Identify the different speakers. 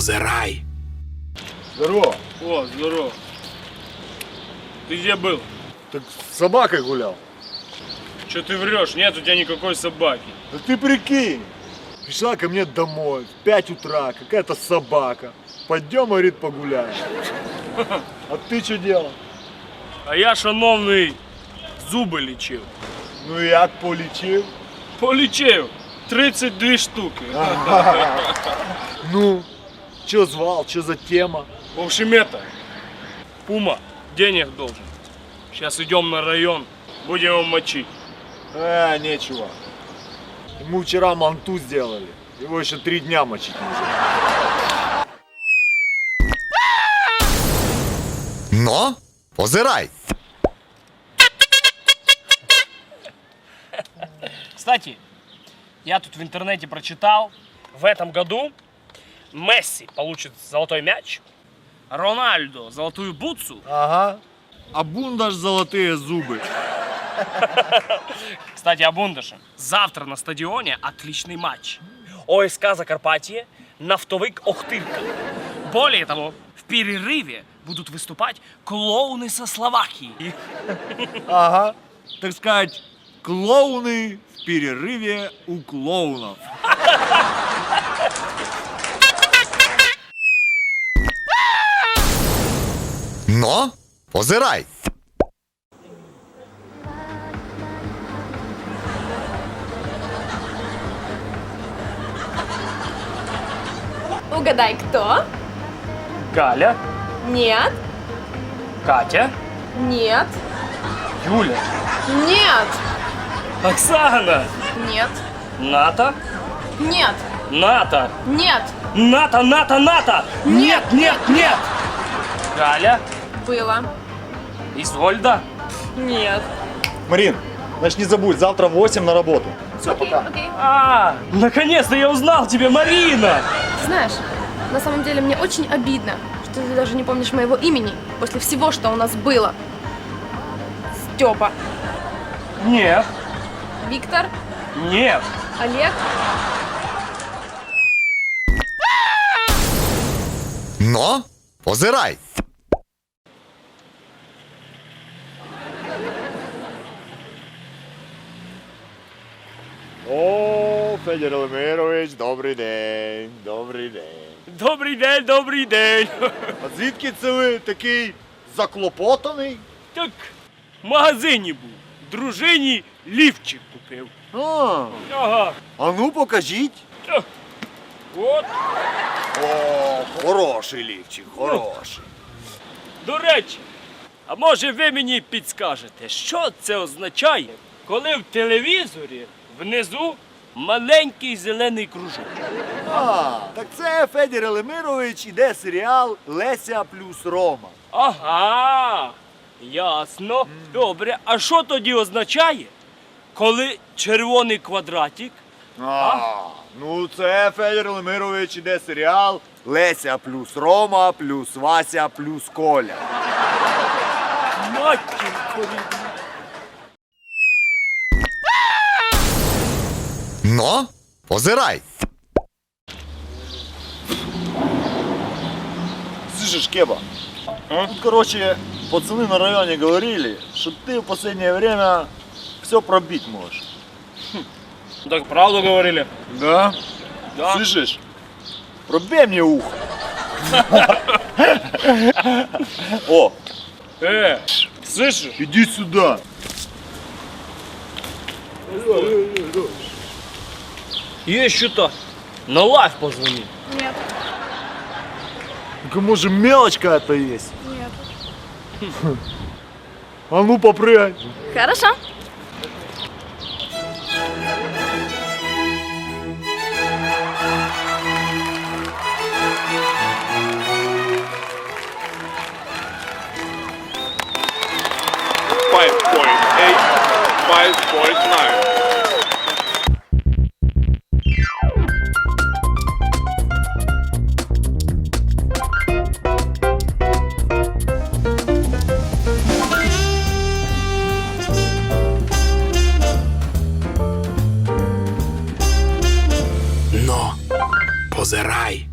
Speaker 1: позирай.
Speaker 2: Здорово.
Speaker 3: О, здорово. Ты где был?
Speaker 2: Так с собакой гулял.
Speaker 3: Че ты врешь? Нет у тебя никакой собаки.
Speaker 2: Да ты прикинь. Пришла ко мне домой в 5 утра какая-то собака. Пойдем, говорит, погуляем. А ты что делал?
Speaker 3: А я, шановний, зуби лічив.
Speaker 2: Ну як полечил?
Speaker 3: Полічив. 32 штуки.
Speaker 2: Ну, что звал, что за тема?
Speaker 3: В общем, это, Пума денег должен. Сейчас идем на район, будем его мочить.
Speaker 2: Нечего. Ему вчера манту сделали. Его еще 3 дня мочить нельзя.
Speaker 1: Но позирай.
Speaker 3: Кстати, я тут в интернете прочитал, в этом году Месси получит золотой мяч, Рональдо золотую бутсу.
Speaker 2: Ага. А Бундаш золотые зубы.
Speaker 3: Кстати, о Бундаше. Завтра на стадионе отличный матч. ОСК Закарпатье, Нафтовик Охтырка. Более того, в перерыве будут выступать клоуны со Словакии.
Speaker 2: Ага. Так сказать, клоуны в перерыве у клоунов.
Speaker 1: Но позирай.
Speaker 4: Угадай, кто?
Speaker 3: Галя,
Speaker 4: Нет,
Speaker 3: Катя,
Speaker 4: нет,
Speaker 3: Юля,
Speaker 4: нет,
Speaker 3: Оксана,
Speaker 4: нет,
Speaker 3: Ната,
Speaker 4: нет,
Speaker 3: Ната,
Speaker 4: нет.
Speaker 3: Ната! Нет! Галя,
Speaker 4: Было.
Speaker 3: Изольда.
Speaker 4: Нет.
Speaker 2: Марин, значит не забудь, завтра в 8 на работу. Все,
Speaker 4: Окей,
Speaker 2: пока.
Speaker 4: окей.
Speaker 3: Наконец-то я узнал тебя, Марина!
Speaker 4: Ты знаешь, на самом деле мне очень обидно, что ты даже не помнишь моего имени после всего, что у нас было. Степа.
Speaker 3: Нет,
Speaker 4: Виктор.
Speaker 3: нет.
Speaker 4: Олег.
Speaker 1: Но позирай.
Speaker 2: О, Федір Елемирович, добрий день, добрий день.
Speaker 3: Добрий день.
Speaker 2: А звідки це ви такий заклопотаний?
Speaker 3: Так, в магазині був. Дружині лівчик купив. Ага.
Speaker 2: А ну покажіть.
Speaker 3: От.
Speaker 2: О, хороший лівчик, хороший.
Speaker 3: До речі, а може ви мені підскажете, що це означає, коли в телевізорі внизу маленький зелений кружок?
Speaker 2: Так це Федір Елемирович іде серіал Леся плюс Рома.
Speaker 3: Ага, ясно. Добре, а що тоді означає, коли червоний квадратик?
Speaker 2: Ну це Федір Елемирович іде серіал Леся плюс Рома плюс Вася плюс Коля.
Speaker 3: Матінко рідна.
Speaker 1: Но позирай.
Speaker 2: Слышишь, Кеба? Тут, короче, пацаны на районе говорили, что ты в последнее время все пробить можешь.
Speaker 3: Так правду говорили?
Speaker 2: Да?
Speaker 3: Да.
Speaker 2: Слышишь? Пробей мне ухо. О,
Speaker 3: Слышишь?
Speaker 2: иди сюда.
Speaker 3: Есть что-то. На лайф позвони.
Speaker 4: Нет.
Speaker 2: Ну-ка, может, мелочь какая-то есть?
Speaker 4: Нет.
Speaker 2: А ну, попрыгай.
Speaker 4: Хорошо.
Speaker 1: Позирай.